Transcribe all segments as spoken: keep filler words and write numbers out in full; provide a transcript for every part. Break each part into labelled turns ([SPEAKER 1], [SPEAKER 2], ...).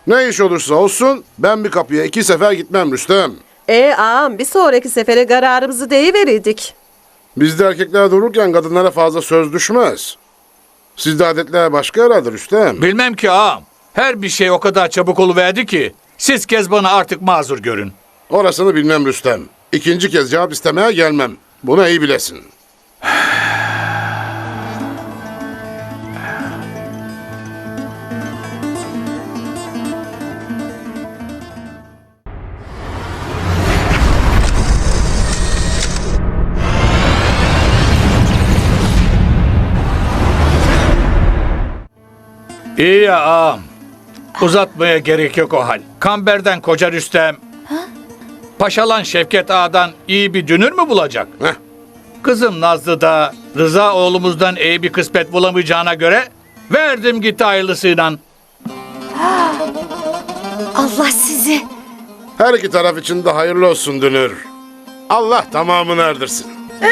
[SPEAKER 1] Ne iş olursa olsun ben bir kapıya iki sefer gitmem Rüstem.
[SPEAKER 2] E ağam bir sonraki sefere kararımızı deyiverirdik.
[SPEAKER 1] Bizde erkekler dururken kadınlara fazla söz düşmez. Sizde adetler başka herhalde Rüstem.
[SPEAKER 3] Bilmem ki ağam. Her bir şey o kadar çabuk oluverdi ki siz Kezban'ı artık mazur görün.
[SPEAKER 1] Orasını bilmem Rüstem. İkinci kez cevap istemeye gelmem. Bunu iyi bilesin.
[SPEAKER 3] İyi ya ağam. Uzatmaya gerek yok o hal. Kamber'den koca Rüstem, Paşalan Şevket Ağa'dan iyi bir dünür mü bulacak?
[SPEAKER 1] Heh.
[SPEAKER 3] Kızım Nazlı da Rıza oğlumuzdan iyi bir kısmet bulamayacağına göre verdim gitti hayırlısıyla.
[SPEAKER 4] Allah sizi.
[SPEAKER 1] Her iki taraf için de hayırlı olsun Dünür. Allah tamamını erdirsin.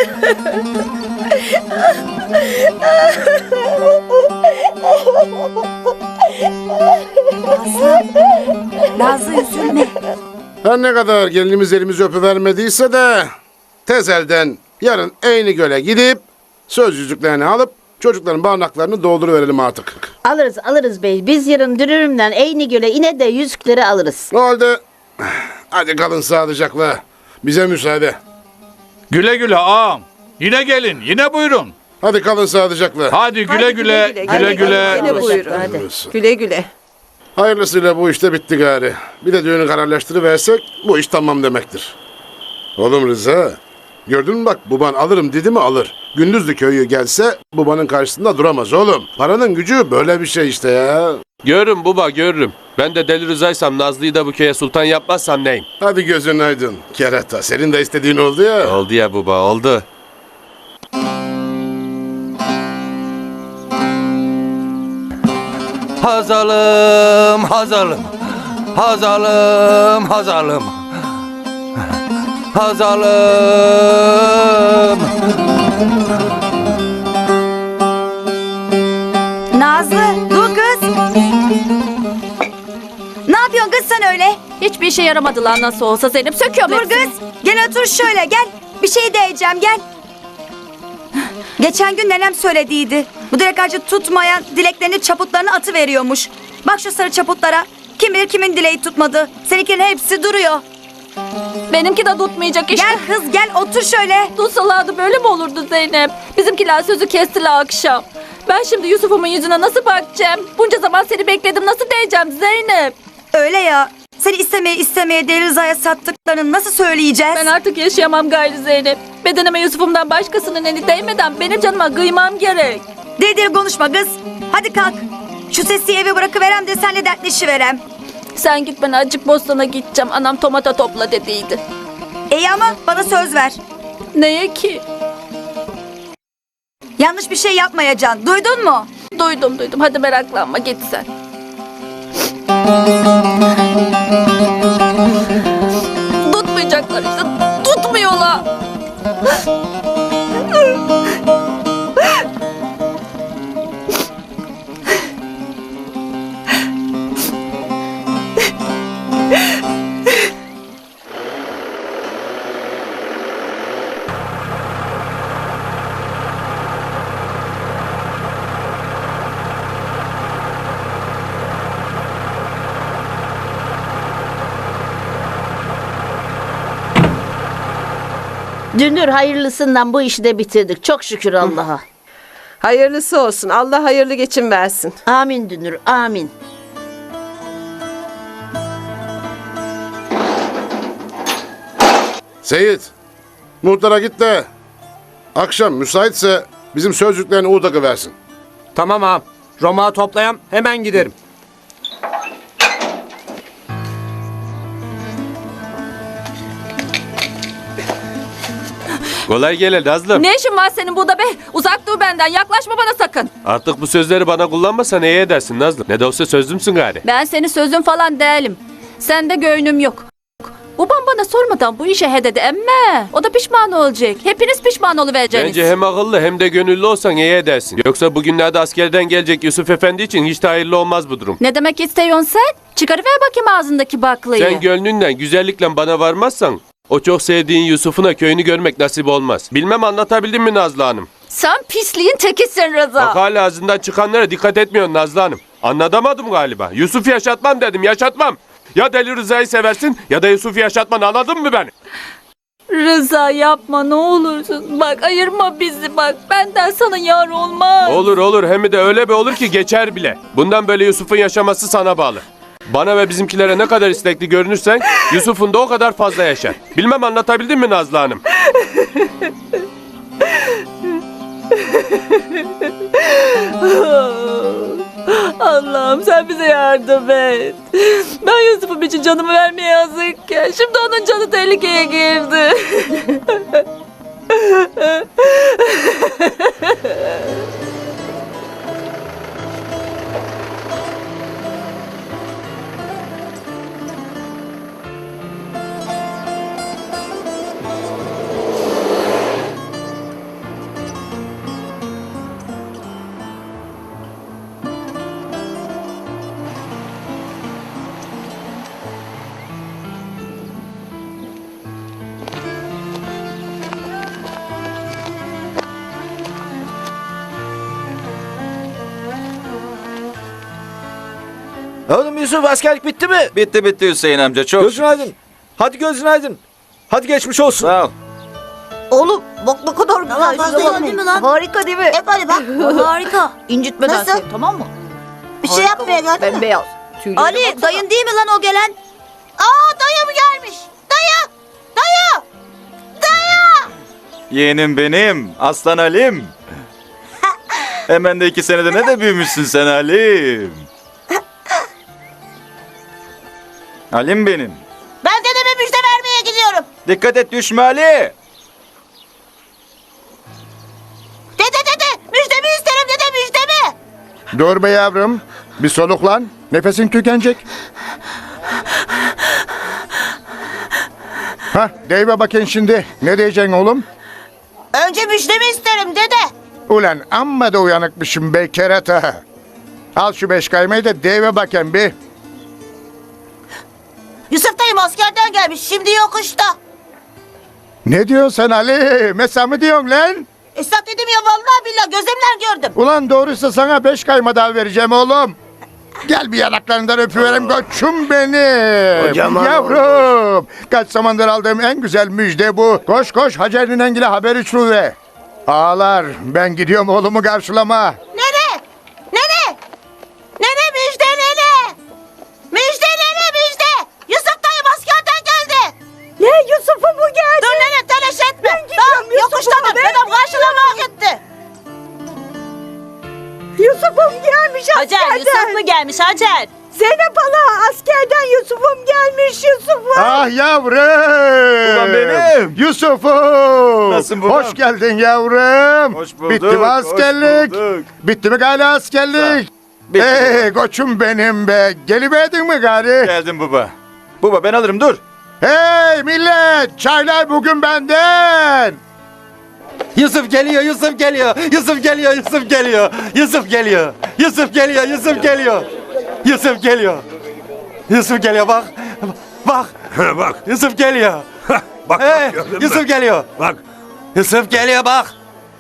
[SPEAKER 4] Nazlı üzülme.
[SPEAKER 1] Her ne kadar gelinimiz elimizi öpüvermediyse de tez elden yarın Eynigöl'e gidip söz yüzüklerini alıp çocukların barnaklarını dolduruverelim artık.
[SPEAKER 5] Alırız alırız bey. Biz yarın dünürümden Eynigöl'e ine de yüzükleri alırız.
[SPEAKER 1] O halde hadi kalın sağlıcakla. Bize müsaade.
[SPEAKER 3] Güle güle ağam. Yine gelin, yine buyurun.
[SPEAKER 1] Hadi kalın sağlıcakla.
[SPEAKER 3] Hadi güle
[SPEAKER 2] Hadi
[SPEAKER 3] güle, güle güle.
[SPEAKER 2] güle. Yine buyurun.
[SPEAKER 5] Hadi.
[SPEAKER 2] Güle güle.
[SPEAKER 1] Hayırlısıyla bu işte bitti gari. Bir de düğünü kararlaştırıversek bu iş tamam demektir. Oğlum Rıza, gördün mü bak baban alırım dedi mi alır. Gündüzlü köyü gelse babanın karşısında duramaz oğlum. Paranın gücü böyle bir şey işte ya.
[SPEAKER 6] Görürüm baba görürüm. Ben de Deli Rıza'ysam Nazlı'yı da bu köye sultan yapmazsam neyim?
[SPEAKER 1] Hadi gözün aydın. Kerata senin de istediğin oldu ya.
[SPEAKER 6] Oldu ya baba oldu. Hazalım hazalım. Hazalım hazalım. Hazalım.
[SPEAKER 4] Nazlı dur kız. Ne yapıyorsun kız sen öyle?
[SPEAKER 7] Hiçbir işe yaramadı lan nasıl olsa Zeynep. Söküyorum
[SPEAKER 4] Dur
[SPEAKER 7] hepsini.
[SPEAKER 4] kız. Gel otur şöyle gel. Bir şey diyeceğim gel. Geçen gün nenem söylediydi. Bu dilek ağacı tutmayan dileklerini çaputlarını atı veriyormuş. Bak şu sarı çaputlara. Kim bilir kimin dileği tutmadı. Seninkilerin hepsi duruyor.
[SPEAKER 7] Benimki de tutmayacak işte.
[SPEAKER 4] Gel kız gel otur şöyle.
[SPEAKER 7] Tutsalardı böyle mi olurdu Zeynep? Bizimkiler sözü kestiler akşam. Ben şimdi Yusuf'umun yüzüne nasıl bakacağım? Bunca zaman seni bekledim nasıl diyeceğim Zeynep?
[SPEAKER 4] Öyle ya. Seni istemeye istemeye Deli Rıza'ya sattıklarını nasıl söyleyeceğiz?
[SPEAKER 7] Ben artık yaşayamam gayrı Zeynep. Bedenime Yusuf'umdan başkasının eli değmeden benim canıma kıymam gerek.
[SPEAKER 4] Deli konuşma kız. Hadi kalk. Şu sesi eve bırakıverem de senle dertleşiverem.
[SPEAKER 7] Sen git ben acık bostana gideceğim. Anam tomata topla dediydi.
[SPEAKER 4] İyi ama bana söz ver.
[SPEAKER 7] Neye ki?
[SPEAKER 4] Yanlış bir şey yapmayacaksın. Duydun mu?
[SPEAKER 7] Duydum duydum. Hadi meraklanma git sen. Tutmayacaklar işte. Tutmuyorlar.
[SPEAKER 5] Dünür hayırlısından bu işi de bitirdik. Çok şükür Allah'a.
[SPEAKER 2] Hayırlısı olsun. Allah hayırlı geçim versin.
[SPEAKER 5] Amin Dünür amin.
[SPEAKER 1] Seyit, muhtara git de akşam müsaitse bizim sözcüklerini Uğdak'a versin.
[SPEAKER 8] Tamam ağam. Roma toplayam hemen giderim.
[SPEAKER 6] Kolay gele Nazlım.
[SPEAKER 7] Ne işin var senin burada be? Uzak dur benden. Yaklaşma bana sakın.
[SPEAKER 6] Artık bu sözleri bana kullanmasan iyi edersin Nazlım. Ne de olsa sözlümsün gari.
[SPEAKER 7] Ben senin sözün falan değilim. Sende göynüm yok. Babam bana sormadan bu işe he dedi emme. O da pişman olacak. Hepiniz pişman oluvereceksiniz.
[SPEAKER 6] Bence hem akıllı hem de gönüllü olsan iyi edersin. Yoksa bugünlerde askerden gelecek Yusuf Efendi için hiç de hayırlı olmaz bu durum.
[SPEAKER 7] Ne demek istiyorsun sen? Çıkarıver bakayım ağzındaki baklayı.
[SPEAKER 6] Sen gönlünden güzellikle bana varmazsan o çok sevdiğin Yusuf'una köyünü görmek nasip olmaz. Bilmem anlatabildim mi Nazlı Hanım?
[SPEAKER 7] Sen pisliğin tekisin Rıza.
[SPEAKER 6] Bak hala ağzından çıkanlara dikkat etmiyorsun Nazlı Hanım. Anlatamadım galiba. Yusuf yaşatmam dedim, yaşatmam. Ya Deli Rıza'yı seversin ya da Yusuf yaşatman, anladın mı beni?
[SPEAKER 7] Rıza yapma ne olursun. Bak ayırma bizi bak. Benden sana yar olmaz.
[SPEAKER 6] Olur olur, hem de öyle bir olur ki geçer bile. Bundan böyle Yusuf'un yaşaması sana bağlı. Bana ve bizimkilere ne kadar istekli görünürsen Yusuf'un da o kadar fazla yaşar. Bilmem anlatabildim mi Nazlı Hanım?
[SPEAKER 7] Allah'ım sen bize yardım et. Ben Yusuf'um için canımı vermeye hazırken şimdi onun canı tehlikeye girdi.
[SPEAKER 9] Oğlum Yusuf, askerlik bitti mi?
[SPEAKER 10] Bitti bitti Hüseyin amca, çok
[SPEAKER 9] Gözün aydın. Hadi gözün aydın. Hadi geçmiş olsun.
[SPEAKER 10] sağ ol.
[SPEAKER 5] Oğlum bak ne kadar güzel.
[SPEAKER 4] fazla değil mi lan?
[SPEAKER 5] Harika değil mi?
[SPEAKER 4] Hep hadi bak. Harika.
[SPEAKER 5] İncitmeden
[SPEAKER 4] Nasıl?
[SPEAKER 5] sev, tamam mı?
[SPEAKER 4] Bir şey yapmaya geldin mi?
[SPEAKER 5] Bembeyaz. Tüyleri
[SPEAKER 4] Ali
[SPEAKER 5] baksana.
[SPEAKER 4] dayın değil mi lan o gelen? Aa dayı mı gelmiş? Dayı! Dayı! Dayı!
[SPEAKER 10] Yeğenim benim, aslan Halim. Hemen de iki senede ne de büyümüşsün sen Halim. Halim benim.
[SPEAKER 4] Ben dedeme müjde vermeye gidiyorum.
[SPEAKER 10] Dikkat et, düşme Ali.
[SPEAKER 4] Dede dede müjdemi isterim dede müjdemi.
[SPEAKER 1] Dur be yavrum. Bir soluklan. Nefesin tükenecek. Hah, deyve bakayım şimdi. Ne diyeceksin oğlum?
[SPEAKER 4] Önce müjdemi isterim dede.
[SPEAKER 1] Ulan amma da uyanıkmışım be kerata. Al şu beş kaymayı da deyve bakayım bir.
[SPEAKER 4] Yusuf dayım askerden gelmiş şimdi yokuşta.
[SPEAKER 1] Ne diyorsun sen Ali? Mesela mı diyorsun lan?
[SPEAKER 4] Esat dedim ya vallahi billahi gözümle gördüm.
[SPEAKER 1] Ulan doğruysa sana beş kayma daha vereceğim oğlum. Gel bir yanaklarından öpüverem koçum benim.
[SPEAKER 9] Kocaman
[SPEAKER 1] Yavrum. Kaç zamandır aldığım en güzel müjde bu. Koş koş Hacer'in Engil'e haber uçuruver. Ağlar, ben gidiyorum oğlumu karşılama.
[SPEAKER 4] Nene? Nene? Nene müjde nene? Müjde nene müjde. Yusuf dayım askerden geldi.
[SPEAKER 5] Ne Yusuf'u mu geldi?
[SPEAKER 4] Dur nene telaş etme. Tamam yokuştadır. Dedem karşılamaya gitti.
[SPEAKER 5] Yusuf'um gelmiş
[SPEAKER 7] Hacer Yusuf mu gelmiş Hacer?
[SPEAKER 5] Zeynep hala askerden Yusuf'um gelmiş Yusuf'um.
[SPEAKER 1] Ah yavrum.
[SPEAKER 10] Ulan benim.
[SPEAKER 1] Yusuf'um.
[SPEAKER 10] Nasılsın babam?
[SPEAKER 1] Hoş geldin yavrum.
[SPEAKER 10] Hoş bulduk,
[SPEAKER 1] Bitti mi
[SPEAKER 10] hoş
[SPEAKER 1] askerlik?
[SPEAKER 10] bulduk.
[SPEAKER 1] Bitti mi gari askerlik?
[SPEAKER 10] Bitti.
[SPEAKER 1] Hey koçum benim be. Geliverdin mi gari?
[SPEAKER 10] Geldim baba. Baba ben alırım, dur.
[SPEAKER 1] Hey millet. Çaylar bugün benden.
[SPEAKER 9] Yusuf geliyor, Yusuf geliyor. Yusuf geliyor, Yusuf geliyor. Yusuf geliyor. Yusuf geliyor, Yusuf geliyor. Yusuf geliyor. Yusuf geliyor bak. Bak.
[SPEAKER 11] Bak.
[SPEAKER 9] Yusuf geliyor.
[SPEAKER 11] Bak,
[SPEAKER 9] Hey,
[SPEAKER 11] bak, gördün mü?
[SPEAKER 9] Yusuf geliyor.
[SPEAKER 11] Bak.
[SPEAKER 9] Yusuf geliyor bak.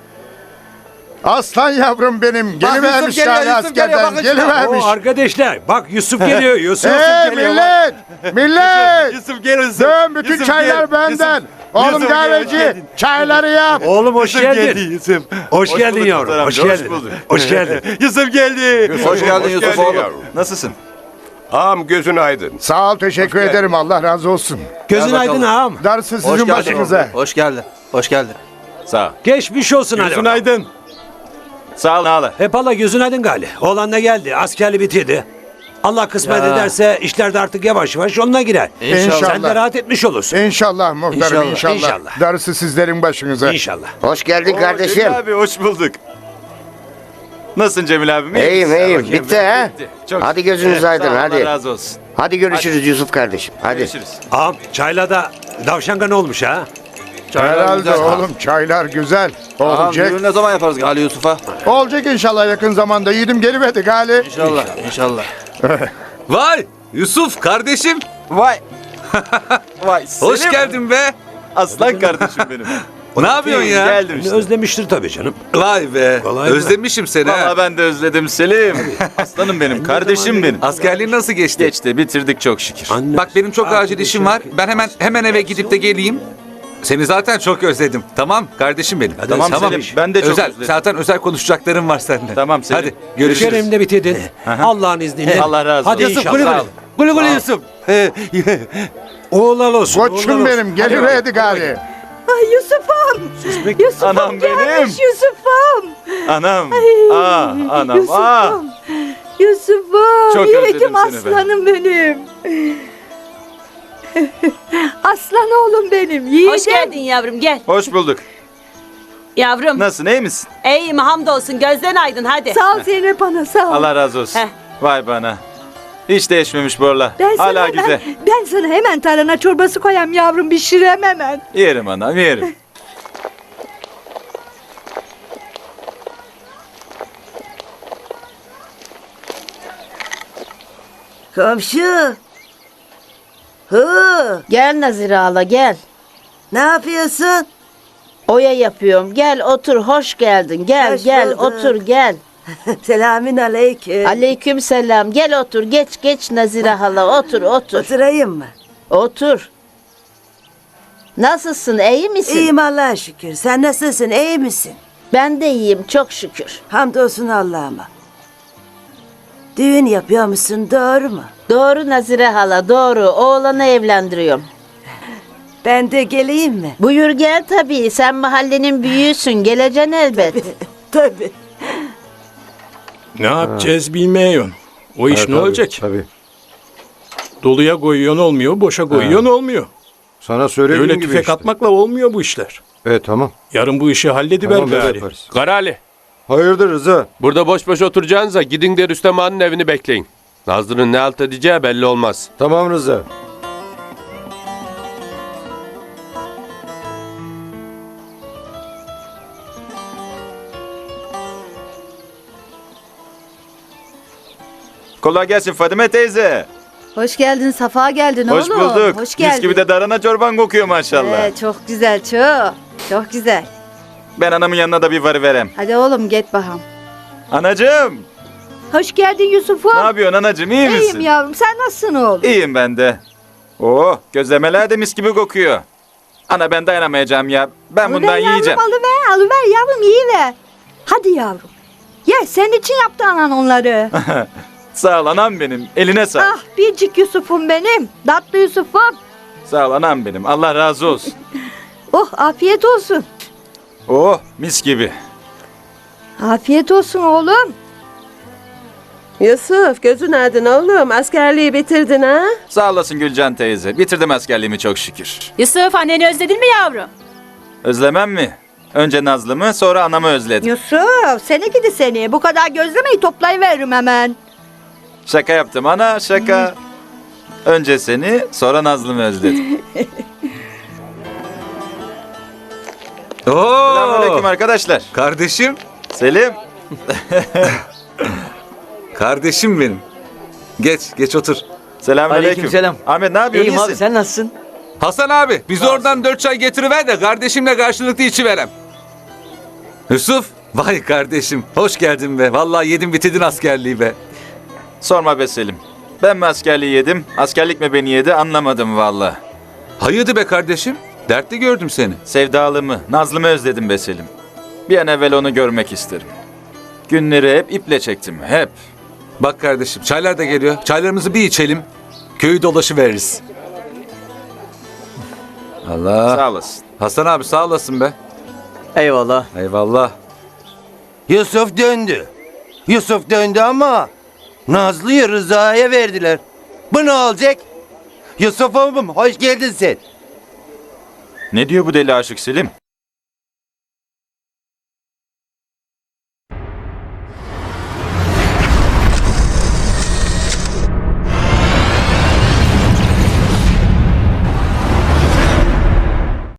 [SPEAKER 1] Aslan yavrum benim.
[SPEAKER 9] Bak,
[SPEAKER 1] Gelivermiş
[SPEAKER 9] Yusuf geliyor,
[SPEAKER 1] yani
[SPEAKER 9] Yusuf geliyor,
[SPEAKER 1] askerden.
[SPEAKER 9] bakın şuna.
[SPEAKER 1] Gelivermiş.
[SPEAKER 11] O arkadaşlar bak Yusuf geliyor. Yusuf
[SPEAKER 1] Hey
[SPEAKER 9] geliyor,
[SPEAKER 1] millet. Millet.
[SPEAKER 9] Yusuf gel Yusuf.
[SPEAKER 1] Dön bütün
[SPEAKER 9] Yusuf
[SPEAKER 1] çaylar
[SPEAKER 9] gel.
[SPEAKER 1] benden.
[SPEAKER 9] Yusuf-
[SPEAKER 1] Oğlum
[SPEAKER 9] Yusuf gel, hoş
[SPEAKER 1] kahveci
[SPEAKER 9] geldin.
[SPEAKER 1] çayları yap.
[SPEAKER 11] Oğlum hoş
[SPEAKER 9] Yusuf
[SPEAKER 11] geldin.
[SPEAKER 9] geldi Yusuf.
[SPEAKER 11] Hoş, geldin
[SPEAKER 10] bulduk
[SPEAKER 11] yavrum.
[SPEAKER 10] muhterem
[SPEAKER 11] Hoş
[SPEAKER 10] amca, hoş
[SPEAKER 11] geldin.
[SPEAKER 10] bulduk.
[SPEAKER 11] Hoş geldin.
[SPEAKER 9] Yusuf geldi.
[SPEAKER 10] Hoş geldin Yusuf
[SPEAKER 6] geldin
[SPEAKER 10] oğlum.
[SPEAKER 6] yavrum.
[SPEAKER 10] Nasılsın?
[SPEAKER 6] Ağam gözün aydın.
[SPEAKER 1] Sağ ol teşekkür ederim Allah razı olsun.
[SPEAKER 11] Gözün
[SPEAKER 10] Gel
[SPEAKER 11] aydın
[SPEAKER 10] bakalım.
[SPEAKER 11] ağam.
[SPEAKER 1] Darısı sizin başınıza.
[SPEAKER 9] Hoş geldin. Hoş geldin.
[SPEAKER 10] Sağ ol.
[SPEAKER 11] Geçmiş olsun hadi.
[SPEAKER 9] Gözün
[SPEAKER 11] bakalım.
[SPEAKER 9] aydın.
[SPEAKER 10] Sağ ol Nala.
[SPEAKER 11] Hep Allah gözün aydın gali. Oğlan da geldi. Askerli bitirdi. Allah kısmet
[SPEAKER 9] Ya.
[SPEAKER 11] ederse işler de artık yavaş yavaş yoluna girer.
[SPEAKER 1] İnşallah.
[SPEAKER 11] Sen de rahat etmiş olursun.
[SPEAKER 1] İnşallah muhtarım
[SPEAKER 9] İnşallah,
[SPEAKER 1] inşallah.
[SPEAKER 11] inşallah.
[SPEAKER 1] Darısı sizlerin başınıza.
[SPEAKER 11] İnşallah.
[SPEAKER 12] Hoş geldin
[SPEAKER 10] Oo,
[SPEAKER 12] kardeşim.
[SPEAKER 10] Cemil abi hoş bulduk. Nasılsın Cemil abim? İyi
[SPEAKER 12] İyiyim
[SPEAKER 10] misin?
[SPEAKER 12] iyiyim.
[SPEAKER 10] Bakayım,
[SPEAKER 12] Bitti ha?
[SPEAKER 10] bitti. Çok
[SPEAKER 12] Hadi gözünüz
[SPEAKER 10] şükür.
[SPEAKER 12] aydın
[SPEAKER 10] Sağ ol,
[SPEAKER 12] hadi.
[SPEAKER 10] Allah razı olsun.
[SPEAKER 9] Hadi görüşürüz Yusuf kardeşim. Hadi.
[SPEAKER 10] Görüşürüz.
[SPEAKER 11] Ağam çaylada davşanga ne olmuş ha?
[SPEAKER 1] Herhalde oğlum çaylar güzel. Olacak.
[SPEAKER 10] ne zaman yaparız Gali Yusuf'a?
[SPEAKER 1] Olacak inşallah yakın zamanda. Yiğidim geliverdi gali.
[SPEAKER 10] İnşallah, inşallah.
[SPEAKER 12] Vay Yusuf kardeşim.
[SPEAKER 10] Vay. Vay
[SPEAKER 12] Hoş
[SPEAKER 10] Selim.
[SPEAKER 12] geldin be.
[SPEAKER 10] Aslan kardeşim benim.
[SPEAKER 12] Ne yapıyorsun ya?
[SPEAKER 10] Geldim işte.
[SPEAKER 11] Özlemiştir tabii canım.
[SPEAKER 12] Vay be.
[SPEAKER 11] Kolay mı?
[SPEAKER 12] Özlemişim seni ha.
[SPEAKER 10] Vallahi ben de özledim Selim. Aslanım benim, kardeşim benim.
[SPEAKER 12] Askerliğin nasıl geçti?
[SPEAKER 10] Geçti, bitirdik çok şükür.
[SPEAKER 11] Anne,
[SPEAKER 12] Bak benim çok acil
[SPEAKER 11] arkadaşım,
[SPEAKER 12] işim var. Ben hemen hemen eve gidip de geleyim. Seni zaten çok özledim. Tamam kardeşim benim.
[SPEAKER 11] Hadi
[SPEAKER 10] Tamam Selim, ben de çok
[SPEAKER 12] özel,
[SPEAKER 10] özledim.
[SPEAKER 12] Zaten özel konuşacaklarım var seninle.
[SPEAKER 10] Tamam Selim.
[SPEAKER 12] Hadi görüşürüz.
[SPEAKER 11] Kerem de bitirdin. Allah'ın izniyle.
[SPEAKER 10] Allah razı
[SPEAKER 11] Hadi
[SPEAKER 10] olsun.
[SPEAKER 11] inşallah.
[SPEAKER 10] Yusuf,
[SPEAKER 11] Sağ ol. Gülü gülü Yusuf. Oğlan olsun. oğlan
[SPEAKER 1] Koçum
[SPEAKER 11] olsun.
[SPEAKER 1] benim geliverdi gali.
[SPEAKER 4] Ay Yusuf'um. Yusuf'um
[SPEAKER 10] Anam benim.
[SPEAKER 4] gelmiş Yusuf'um.
[SPEAKER 10] Anam. Ah, anam. Ah.
[SPEAKER 4] Yusuf'um. Yusuf'um.
[SPEAKER 10] Çok
[SPEAKER 4] Yiğidim
[SPEAKER 10] özledim seni ben.
[SPEAKER 4] aslanım benim. Aslan oğlum benim. Yiğidim.
[SPEAKER 2] Hoş geldin yavrum gel.
[SPEAKER 10] Hoş bulduk.
[SPEAKER 2] Yavrum
[SPEAKER 10] Nasılsın, iyi misin?
[SPEAKER 2] iyiyim hamdolsun gözden aydın hadi.
[SPEAKER 4] Sağ ol Zeynep ana sağ ol.
[SPEAKER 10] Allah razı olsun.
[SPEAKER 2] Heh.
[SPEAKER 10] Vay bana. Hiç değişmemiş Borla.
[SPEAKER 4] Ben
[SPEAKER 10] Hala
[SPEAKER 4] sana,
[SPEAKER 10] güzel.
[SPEAKER 4] Ben, ben sana hemen tarhana çorbası koyayım yavrum pişirem hemen.
[SPEAKER 10] Yerim anam, yerim.
[SPEAKER 2] Komşu. Hı,
[SPEAKER 5] Gel Nazire hala gel.
[SPEAKER 2] ne yapıyorsun?
[SPEAKER 5] Oya yapıyorum. Gel otur hoş geldin. Gel
[SPEAKER 2] Hoş
[SPEAKER 5] gel
[SPEAKER 2] bulduk.
[SPEAKER 5] otur gel.
[SPEAKER 2] Selamün aleyküm.
[SPEAKER 5] Aleyküm selam. Gel otur geç geç Nazire hala otur otur.
[SPEAKER 2] Oturayım mı?
[SPEAKER 5] Otur. Nasılsın iyi misin?
[SPEAKER 2] İyiyim Allah'a şükür. Sen nasılsın? İyi misin?
[SPEAKER 5] Ben de iyiyim çok şükür.
[SPEAKER 2] Hamdolsun Allah'ıma. Düğün yapıyor musun? Doğru mu?
[SPEAKER 5] Doğru Nazire hala doğru. Oğlanı evlendiriyorum.
[SPEAKER 2] Ben de geleyim mi?
[SPEAKER 5] Buyur gel tabii. Sen mahallenin büyüğüsün. Geleceksin elbet.
[SPEAKER 2] Tabii.
[SPEAKER 3] Ne yapacağız bilmiyorum. O iş ne olacak?
[SPEAKER 9] Tabii.
[SPEAKER 3] Doluya koyuyorsun olmuyor, boşa koyuyorsun olmuyor.
[SPEAKER 9] Sana söylediğim
[SPEAKER 3] Öyle
[SPEAKER 9] gibi
[SPEAKER 3] tüfek
[SPEAKER 9] işte.
[SPEAKER 3] atmakla olmuyor bu işler.
[SPEAKER 9] Evet tamam.
[SPEAKER 3] Yarın bu işi hallediver
[SPEAKER 9] Tamam böyle
[SPEAKER 3] gari.
[SPEAKER 9] yaparız.
[SPEAKER 6] Karali,
[SPEAKER 9] Hayırdır Rıza?
[SPEAKER 6] burada boş boş oturacağınıza gidin de Rüstem Ağa'nın evini bekleyin. Nazlı'nın ne halt edeceği belli olmaz.
[SPEAKER 9] Tamam Rıza.
[SPEAKER 10] Kolay gelsin Fadime teyze.
[SPEAKER 4] Hoş geldin Safa geldin
[SPEAKER 10] Hoş
[SPEAKER 4] oğlum.
[SPEAKER 10] bulduk.
[SPEAKER 4] Hoş geldin.
[SPEAKER 10] Mis gibi de darana çorban kokuyor maşallah.
[SPEAKER 4] Ee, çok güzel çok. Çok güzel.
[SPEAKER 10] Ben anamın yanına da bir varıverem.
[SPEAKER 4] Hadi oğlum git bakalım.
[SPEAKER 10] Anacığım.
[SPEAKER 4] Hoş geldin Yusuf'um.
[SPEAKER 10] Ne yapıyorsun anacığım, iyi misin?
[SPEAKER 4] İyiyim yavrum sen nasılsın oğlum?
[SPEAKER 10] İyiyim ben de. Oo, gözlemeler de mis gibi kokuyor. Ana ben dayanamayacağım ya. Ben bundan
[SPEAKER 4] Alıver
[SPEAKER 10] yiyeceğim.
[SPEAKER 4] Yavrum, alıver alıver yavrum yiyiver. Hadi yavrum. Ye senin için yaptı anan onları.
[SPEAKER 10] Sağ ol anam benim. Eline sağ.
[SPEAKER 4] ah biricik Yusuf'um benim. Tatlı Yusuf'um.
[SPEAKER 10] Sağ ol anam benim. Allah razı olsun.
[SPEAKER 4] Oh afiyet olsun.
[SPEAKER 10] Oh, mis gibi.
[SPEAKER 4] Afiyet olsun oğlum.
[SPEAKER 2] Yusuf gözün aydın oğlum askerliği bitirdin ha?
[SPEAKER 10] Sağ olasın Gülcan teyze. Bitirdim askerliğimi çok şükür.
[SPEAKER 7] Yusuf anneni özledin mi yavrum?
[SPEAKER 10] Özlemem mi? Önce Nazlı'mı, sonra anamı özledim.
[SPEAKER 4] Yusuf seni gidi seni. Bu kadar gözlemeyi toplayıveririm hemen.
[SPEAKER 10] Şaka yaptım ana, şaka. Önce seni, sonra Nazlı'mı özledim.
[SPEAKER 12] Oo!
[SPEAKER 10] Selamünaleyküm arkadaşlar.
[SPEAKER 12] Kardeşim.
[SPEAKER 10] Selim.
[SPEAKER 12] Kardeşim benim. Geç geç otur.
[SPEAKER 10] Selamünaleyküm.
[SPEAKER 8] Aleykümselam.
[SPEAKER 10] Ahmet ne yapıyorsun? İyisin.
[SPEAKER 8] sen nasılsın?
[SPEAKER 12] Hasan abi biz oradan dört çay getiriver de kardeşimle karşılıklı içiverem. Yusuf. Vay kardeşim hoş geldin be. Vallahi yedin bitirdin askerliği be.
[SPEAKER 10] Sorma be Selim. Ben mi askerliği yedim, askerlik mi beni yedi anlamadım valla.
[SPEAKER 12] Hayırdır be kardeşim? Dertli gördüm seni.
[SPEAKER 10] Sevdalımı, Nazlı'mı özledim be Selim. Bir an evvel onu görmek isterim. Günleri hep iple çektim, hep.
[SPEAKER 12] Bak kardeşim çaylar da geliyor. Çaylarımızı bir içelim. Köyü dolaşı veririz. Allah.
[SPEAKER 10] Sağ olasın.
[SPEAKER 12] Hasan abi sağ olasın be.
[SPEAKER 8] Eyvallah.
[SPEAKER 12] Eyvallah.
[SPEAKER 9] Yusuf döndü. Yusuf döndü ama Nazlı'yı Rıza'ya verdiler. Bu ne olacak? Yusuf'um hoş geldin sen.
[SPEAKER 10] Ne diyor bu deli aşık Selim?